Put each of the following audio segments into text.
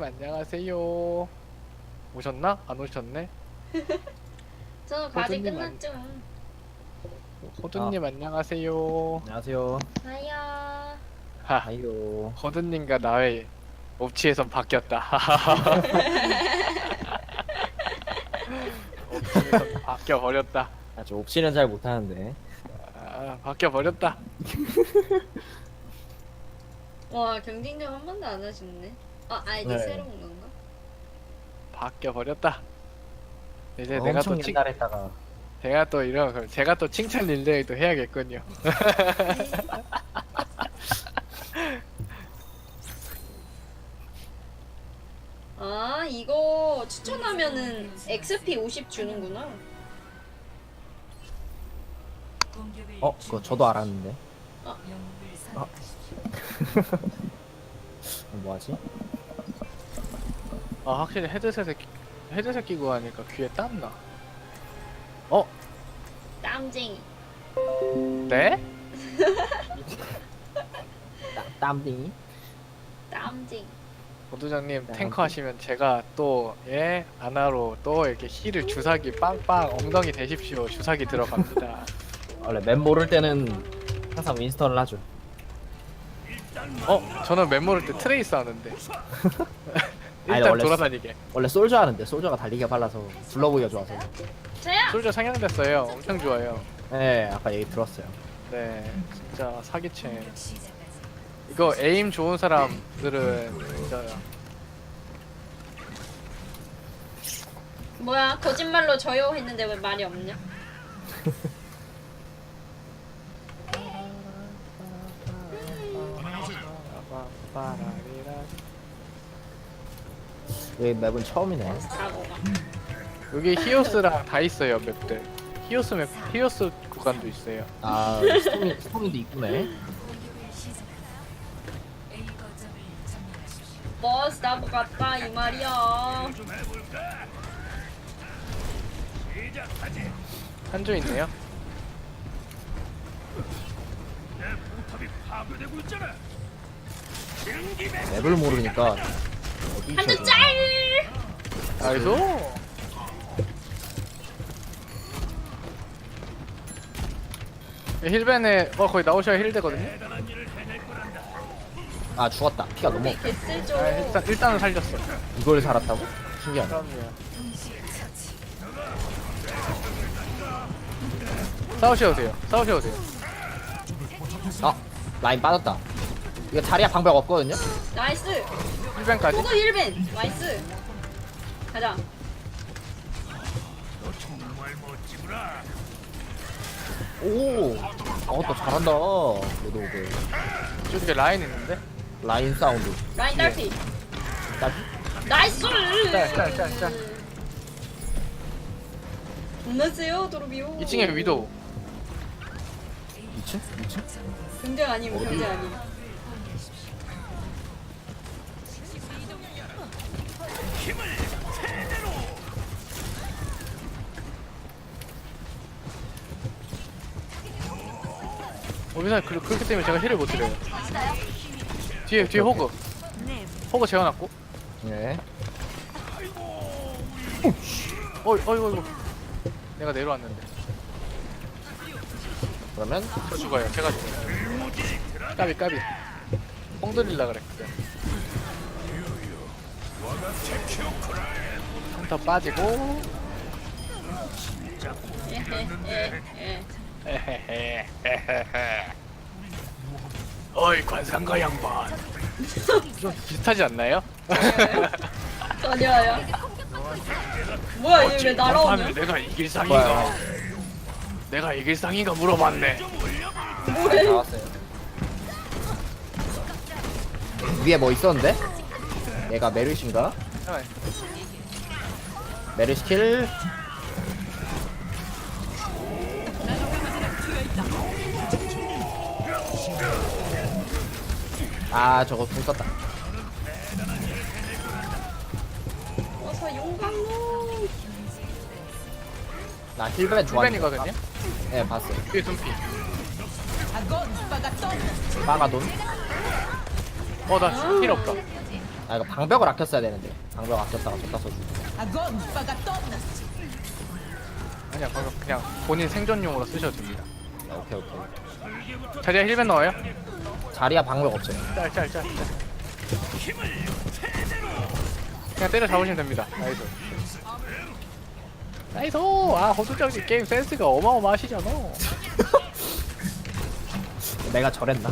안녕하세요. 오셨나? 안 오셨네? 저는 과제 호두님 끝났죠. 호두님 안녕하세요. 안녕하세요. 하야. 하, 아이요. 호두님과 나의 옵치에선 바뀌었다. 옵치에선 바뀌어 버렸다. 저 옵시는 잘 못하는데. 아, 바뀌어 버렸다. 와 경쟁전 한 번도 안 하셨네. 아이디 네. 새로운 건가? 바뀌어 버렸다. 이제 내가 엄청 또 옛날에다가 제가 또 칭찬 릴레이도 해야겠군요. 아 이거 추천하면은 XP 50 주는구나. 그거 저도 알았는데. 뭐하지? 아, 확실히 헤드셋 끼고 하니까 귀에 땀나. 땀쟁이. 네? 땀딩이? 땀쟁이. 보도장님 탱커 하시면 제가 또 아나로 또 이렇게 힐을 주사기 빵빵 엉덩이 대십시오 주사기 들어갑니다. 원래 맵 모를 때는 항상 윈스턴을 하죠. 저는 맵 모를 때 트레이스 하는데 아니, 일단 원래 돌아다니게. 원래 솔저 하는데 솔저가 달리기가 빨라서 둘러보기가 좋아서. 저야. 솔저 상향됐어요. 엄청 좋아요. 네, 아까 얘기 들었어요. 네, 진짜 사기챔. 이거 에임 좋은 사람들은 진짜 뭐야 거짓말로 저요 했는데 왜 말이 없냐? 여기 맵은 처음이네. 사고가. 여기 히오스랑 다 있어요 맵들. 히오스 구간도 있어요. 아, 스토미도 있구네. 버스 나보 같다 이 말이야. 한조 있네요. 맵을 모르니까. 어디 한대 있어야 짤. 나이스. 힐벤에 거의 나오셔야 힐되거든요. 아, 죽었다. 피가 너무. 개쓸죠. 아, 일단은 살렸어. 이걸 살았다고? 신기하네. 그럼요. 싸우셔도 돼요. 아, 라인 빠졌다. 이거 자리야 방벽 없거든요? 나이스. 힐벤까지. 포도 1벤. 나이스. 가자. 오, 또 잘한다. 로드오그. 저쪽에 라인 있는데. 라인 사운드. 라인 딸피. 딱 나이스. 짤. 겁나 세요 도르비오. 2층에 위도우. 2층? 2층? 경쟁 아니면 어디? 경쟁 아니면. 어디서 그렇기 때문에 제가 힐을 못 드려요. 뒤에 호그. 호그 재워놨고. 네. 어이구. 내가 내려왔는데. 그러면 저 죽어요. 제가 죽어요. 까비. 뽕 돌릴라 그랬거든. 한터 빠지고. 에헤헤. 어이 관상가 양반. 좀 비슷하지 않나요? 전혀요. 뭐야 얘 왜 날아오냐? 내가 이길 상인가? 내가 이길 상인가 물어봤네. 뭐해? 나왔어요. 위에 뭐 있었는데? 얘가 메르신가? 메르시킬. 아, 저거 공 썼다. 어서 용광로. 나 힐벤 좋아하는 힐벤이거든요. 네, 봤어요. 뒤에 둠피. 빠가돈. 나 힐 없다. 아 이거 방벽을 아꼈어야 되는데 방벽 아꼈다가 줬다 써주고. 아니야 방금 그냥 본인 생존용으로 쓰셔도 됩니다. 오케이 오케이. 자리야 힐벤 넣어요? 자리야 방벽 없어요. 짤. 그냥 때려 잡으시면 됩니다. 나이스. 나이스. 아 호두정님 게임 센스가 어마어마하시잖아. 내가 저랬나?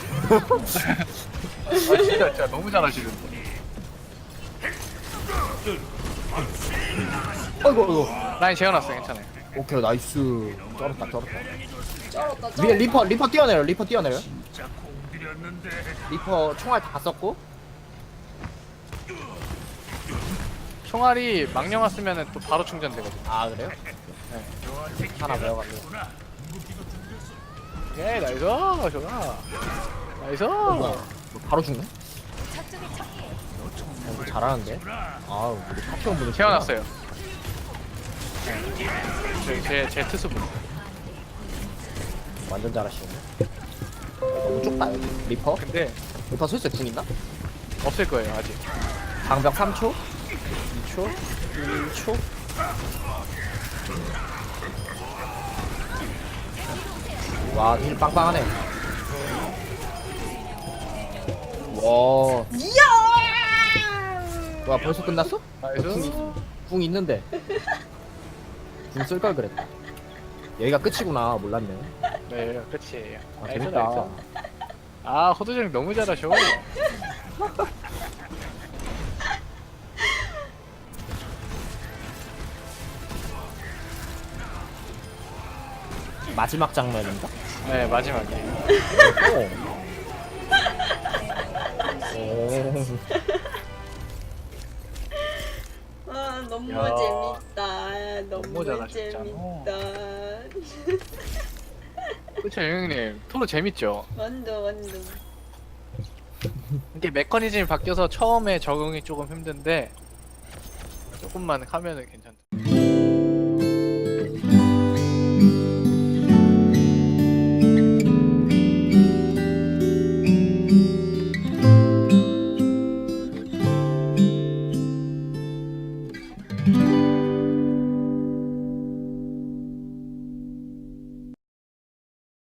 아 진짜 너무 잘하시는데. 어이구. 라인 재워놨어요 괜찮아요. 오케이 나이스. 쩔었다. 쩔었다. 위에 리퍼 뛰어내려. 리퍼 총알 다 썼고. 총알이 망령아 쓰면은 또 바로 충전되거든요. 아 그래요? 네. 하나 배워가지고. 예 나이스 좋아. 나이스. 뭐야? 뭐 바로 죽네? 이거 잘하는데? 아우 우리 파티원 분이 재워놨어요. 네. 제 트스분. 완전 잘하시네. 너무 좁다 여기. 리퍼? 근데 리퍼 슬슬 궁 있나? 없을 거예요 아직. 방벽 3초? 2초? 1초? 와, 힐 빵빵하네. 와, 와 벌써 끝났어? 나이스. 궁 있는데. 궁 쓸 걸 그랬다. 여기가 끝이구나. 몰랐네. 네 끝이에요. 아, 나이스, 재밌다. 나이스. 아 호두정 너무 잘하셔. 마지막 장면인가? 네 마지막에. 오. 오. 아 너무 야. 재밌다. 너무 너무 잘하셨잖아. 재밌다. 그쵸 형님 토로 재밌죠. 완전. 이게 메커니즘이 바뀌어서 처음에 적응이 조금 힘든데 조금만 하면은 괜찮다.